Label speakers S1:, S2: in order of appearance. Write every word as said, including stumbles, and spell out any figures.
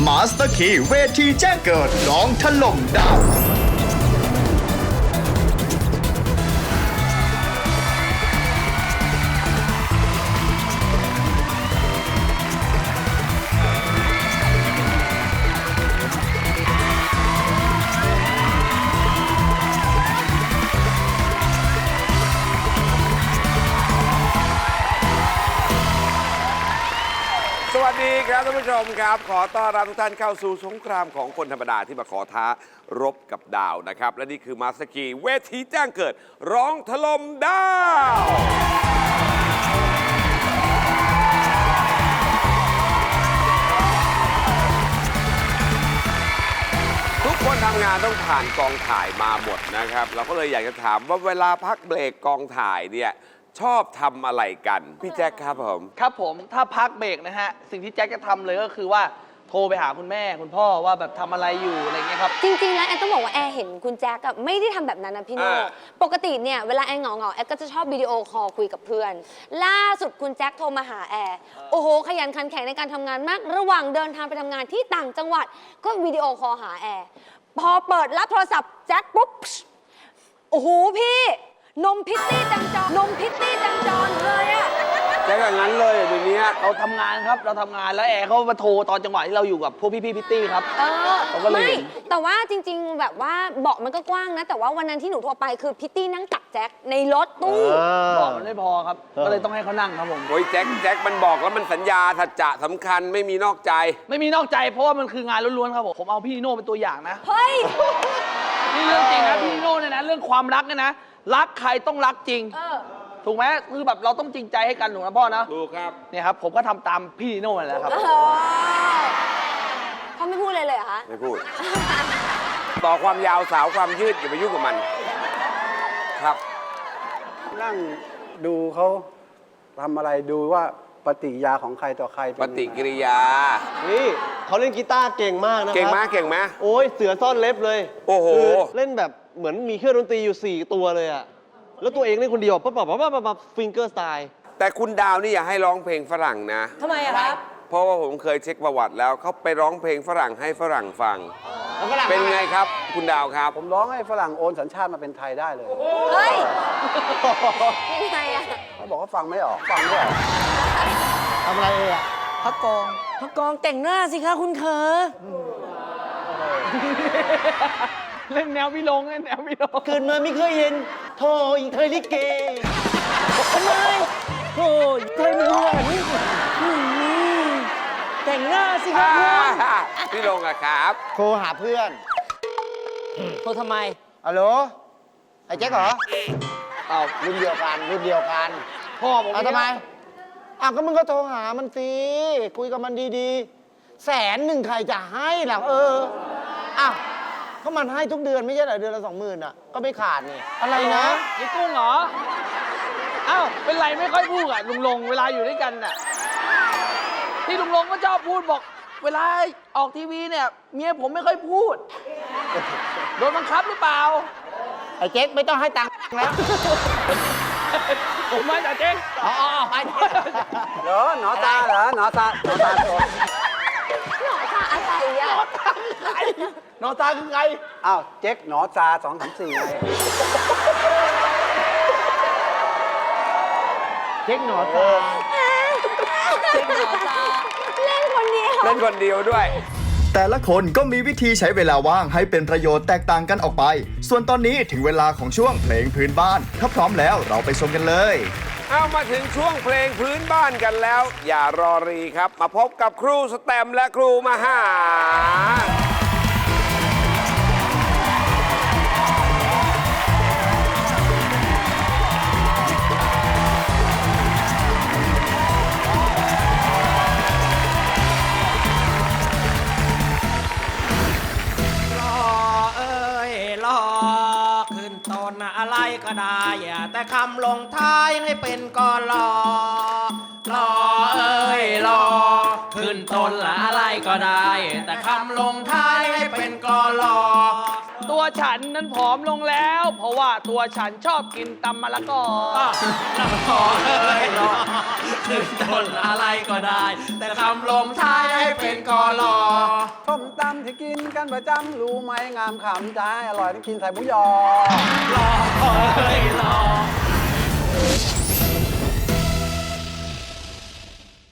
S1: มาสเตอร์คีย์เวทีแจ้งเกิดร้องถล่มดาว
S2: สวัสดีครับท่านผู้ชมครับขอต้อนรับทุกท่านเข้าสู่สงครามของคนธรรมดาที่มาขอท้ารบกับดาวนะครับและนี่คือมาสเตอร์คีย์เวทีแจ้งเกิดร้องถล่มดาวทุกคนทำงานต้องผ่านกองถ่ายมาหมดนะครับเราก็เลยอยากจะถามว่าเวลาพักเบรกกองถ่ายเนี่ยชอบทำอะไรกันพี่แจ็คครับผม
S3: ครับผมถ้าพักเบรกนะฮะสิ่งที่แจ็คจะทำเลยก็คือว่าโทรไปหาคุณแม่คุณพ่อว่าแบบทำอะไรอยู่อะไรเงี้ยครับ
S4: จริงๆแล้วแอนต้องบอกว่าแอนเห็นคุณแจ็คอะไม่ได้ทำแบบนั้นนะพี่โน่ปกติเนี่ยเวลาแอนเหงาๆแอนก็จะชอบวิดีโอคอลคุยกับเพื่อนล่าสุดคุณแจ็คโทรมาหาแอนโอ้โหขยันขันแข็งในการทำงานมากระหว่างเดินทางไปทำงานที่ต่างจังหวัดก็วิดีโอคอลหาแอนพอเปิดรับโทรศัพท์แจ็คปุ๊บโอ้โหพี่นมพิตตี้เต็มจอนมพิตตี้เต็มจอเลยอะ
S2: แจ็คอย่างนั้นเลยเดี๋ยวนี้
S3: เราทำงานครับเราทำงานแล้วแอร์เขามาโทรตอนจังหวะที่เราอยู่กับพวกพี่ๆพิตตี้ครับ
S4: เออไม่แต่ว่าจริงๆแบบว่าเบาะมันก็กว้างนะแต่ว่าวันนั้นที่หนูโทรไปคือพิตตี้นั่งตักแจ็คในรถตู้
S3: เบาะมันไม่พอครับก็เลยต้องให้เขานั่งครับผม
S2: โอ้ยแจ็คแจ็คมันบอกแล้วมันสัญญาสัจจะสำคัญไม่มีนอกใจ
S3: ไม่มีนอกใจเพราะว่ามันคืองานล้วนๆครับผมผมเอาพี่โน่เป็นตัวอย่างนะ
S4: เฮ้ย
S3: นี่เรื่องจริงนะพี่โน่เนี่ยนะเรื่องความรักเนี่ยนะรักใครต้องรักจริงถูกไหมคือแบบเราต้องจริงใจให้กันถูกนะพ่อนะ
S2: ถูกครับ
S3: เนี่ยครับผมก็ทำตามพี่โน่นั่นแหละครับ
S4: เขาไม่พูดเลยเลยเหรอคะ
S2: ไม่พูดต่อความยาวสาวความยืดอย่าไปยุ่งกับมันครับ
S5: นั่งดูเขาทำอะไรดูว่าปฏิกิริยาของใครต่อใคร
S2: ปฏิกิริยา
S6: นี่เขาเล่นกีตาร์เก่งมากนะครับ
S2: เก่งมากเก่งไหม
S6: โอ้ยเสือซ่อนเล็บเลย
S2: โอ้โห
S6: เล่นแบบเหมือนมีเครื่องดนตรีอยู่สี่ตัวเลยอะแล้วตัวเองเล่นคนเดียวปั๊บปั๊บปั๊บปั๊บปั๊บฟิงเกอร์สไตล์
S2: แต่คุณดาวนี่อย่าให้ร้องเพลงฝรั่งนะ
S4: ทำไมอะครับ
S2: เพราะว่าผมเคยเช็คประวัติแล้วเขาไปร้องเพลงฝรั่งให้ฝรั่งฟังเป็นไงครับคุณดาวครับ
S5: ผมร้องให้ฝรั่งโอนสัญชาติมาเป็นไทยได้เลย
S4: เฮ้ยยังไงอะ
S5: เขาบอกว่าฟังไม่ออกฟังไม่ออก
S6: ทำอะไรเอ่ะ
S3: พักกอง
S7: พักกองแต่งหน้าสิคะคุณเคอ
S3: เล่นแนวพี่ลงเล่นแนวพี่ลง
S6: เกิดมาไม่เคยเห็นโธ่อีกเคยลิเก
S7: ทำไมโธ่เคยเหมือนแต่งหน้าสิคะ
S2: คุณพี่ลงอะครับ
S6: โทรหาเพื่อน
S7: โทรทำไม
S6: ฮัลโหลไอ้แจ็คเหรออ้าวรุ่นเดียวกันรุ่นเดียวกัน
S3: พ่อผม
S6: เอาทำไมอ้าวก็มึงก็โทรหามันสิคุยกับมันดีๆแสนหนึ่งใครจะให้ล่ะเอออ้าวก็มันให้ทุกเดือนไม่ใช่เหรอเดือนละสองหมื่นอ่ะก็ไม่ขาดนี่อะไรนะ
S3: ยี่กุ้งเหรออ้าวเป็นไรไม่ค่อยพูดอ่ะลุงลงเวลาอยู่ด้วยกันน่ะที่ลุงลงก็ชอบพูดบอกเวลาออกทีวีเนี่ยเมียผมไม่ค่อยพูดโดนบังคับหรือเปล่า
S6: ไอ้เจ๊กไม่ต้องให้ตังค์แล้ว
S3: ผมไม่แต่เจ๊ก
S6: อ๋อไป
S5: เหรอหนอตาเหรอหนอตาหนอตาตัว
S4: หนอตาอะไรอะ
S3: หนอตาคือใคร
S5: อ้าวเจ๊กหนอตาสองสามสี่ไง
S6: เจ๊กหนอตา
S4: เจ๊กหนอตาเล่นคนเดียว
S2: เล่นคนเดียวด้วย
S1: แต่ละคนก็มีวิธีใช้เวลาว่างให้เป็นประโยชน์แตกต่างกันออกไปส่วนตอนนี้ถึงเวลาของช่วงเพลงพื้นบ้านถ้าพร้อมแล้วเราไปชมกันเลย
S2: เอามาถึงช่วงเพลงพื้นบ้านกันแล้วอย่ารอรีครับมาพบกับครูสแตมและครูมหา
S7: อะไรก็ได้แต่คำลงท้ายให้เป็นกอลอลอเอ้ยลอขึ้นต้นละอะไรก็ได้แต่คำลงท้ายให้เป็นกอลอ
S3: ตัวฉันนั้นผอมลงแล้ว เพราะว่าตัวฉันชอบกินตำมะละกอ
S7: รอเอ้ยรอขึ้นต้นอะไรก็ได้ แต่คำลงท้ายให้เป็นกอรอ
S5: ส้มตำที่กินกันประจำรู้ไหมงามขำใจอร่อยต้องกินใส่หมูยอ
S7: รอเอ้ยร